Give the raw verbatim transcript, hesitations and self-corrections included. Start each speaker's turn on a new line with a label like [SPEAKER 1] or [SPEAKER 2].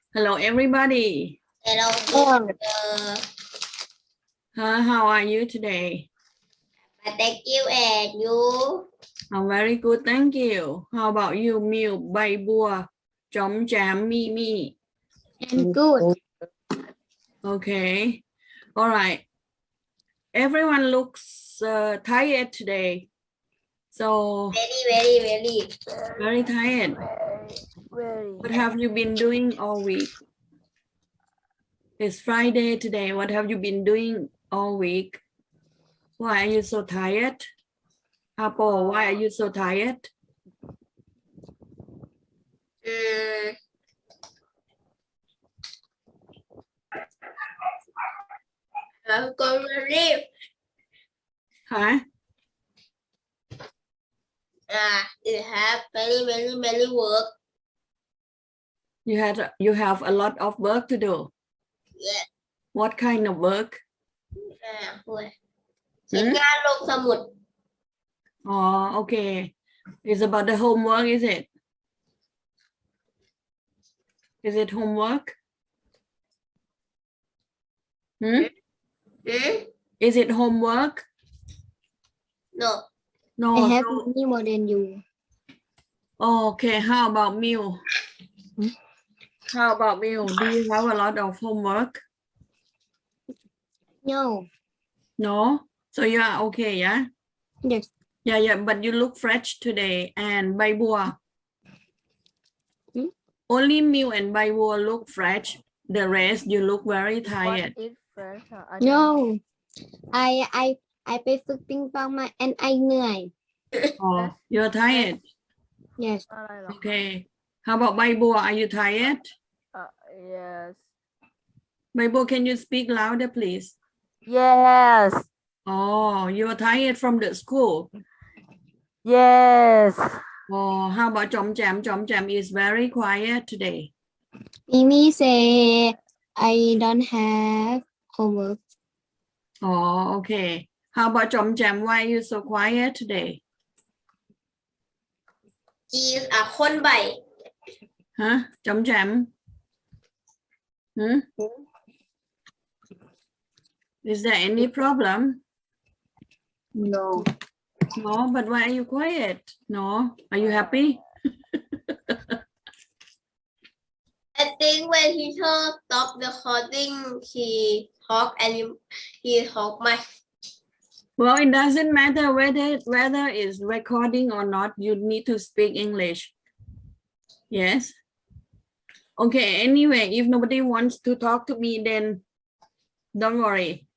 [SPEAKER 1] Hello, everybody.
[SPEAKER 2] Hello,
[SPEAKER 3] Oh,
[SPEAKER 2] teacher.
[SPEAKER 1] Huh, how are you today?
[SPEAKER 2] Thank you, and you?
[SPEAKER 1] I'm very good, thank you. How about you, Miu, Bay Bua, Chom Cham, Mi Mi?
[SPEAKER 3] and good.
[SPEAKER 1] Okay, all right. Everyone looks uh, tired today. So,
[SPEAKER 2] Very, very, very.
[SPEAKER 1] very tired.
[SPEAKER 3] Very.
[SPEAKER 1] What have you been doing all week? It's Friday today. What have you been doing all week? Why are you so tired? Apple, why are you so tired?
[SPEAKER 2] Um, I'm going to leave.
[SPEAKER 1] Huh?
[SPEAKER 2] Ah, you have very, very, very work.
[SPEAKER 1] You had you have a lot of work to do.
[SPEAKER 2] Yeah.
[SPEAKER 1] What kind of work?
[SPEAKER 2] À, ui. Sẽ ra lộn sa một.
[SPEAKER 1] Oh, okay. It's about the homework, is it? Is it homework? Hmm?
[SPEAKER 2] Hmm?
[SPEAKER 1] Is it homework?
[SPEAKER 2] No.
[SPEAKER 1] No.
[SPEAKER 3] I have
[SPEAKER 1] So,
[SPEAKER 3] many more than you.
[SPEAKER 1] okay, how about Miu?
[SPEAKER 3] Hmm?
[SPEAKER 1] How about Miu? Do you have a lot of homework?
[SPEAKER 3] No.
[SPEAKER 1] No? So you are okay, yeah?
[SPEAKER 3] Yes.
[SPEAKER 1] Yeah, yeah, but you look fresh today. And Bai Bua?
[SPEAKER 3] Hmm?
[SPEAKER 1] Only Miu and Bai Bua look fresh. The rest, you look very tired.
[SPEAKER 3] No. I I I ไปฝึกปิงปองมา and I เหนื่อย
[SPEAKER 1] Oh, you're tired.
[SPEAKER 3] Yes.
[SPEAKER 1] Okay. How about Bai Bua? Are you tired?
[SPEAKER 4] Uh, yes.
[SPEAKER 1] Bai Bua, can you speak louder, please?
[SPEAKER 4] Yes.
[SPEAKER 1] Oh, you're tired from the school.
[SPEAKER 4] Yes.
[SPEAKER 1] Oh, how about Chom Cham? Chom Cham is very quiet today.
[SPEAKER 3] Mimi say I don't have homework.
[SPEAKER 1] Oh, okay. How about Chom Cham? Why are you so quiet today?
[SPEAKER 2] Chị à khôn bảy.
[SPEAKER 1] Huh? Chom Cham? Hmm? Is there any problem?
[SPEAKER 3] No.
[SPEAKER 1] No, but why are you quiet? No. Are you happy?
[SPEAKER 2] I think when teacher stop the recording, he talk and he talk much.
[SPEAKER 1] Well, it doesn't matter whether whether it's recording or not. You need to speak English. Yes. Okay. Anyway, if nobody wants to talk to me, then don't worry.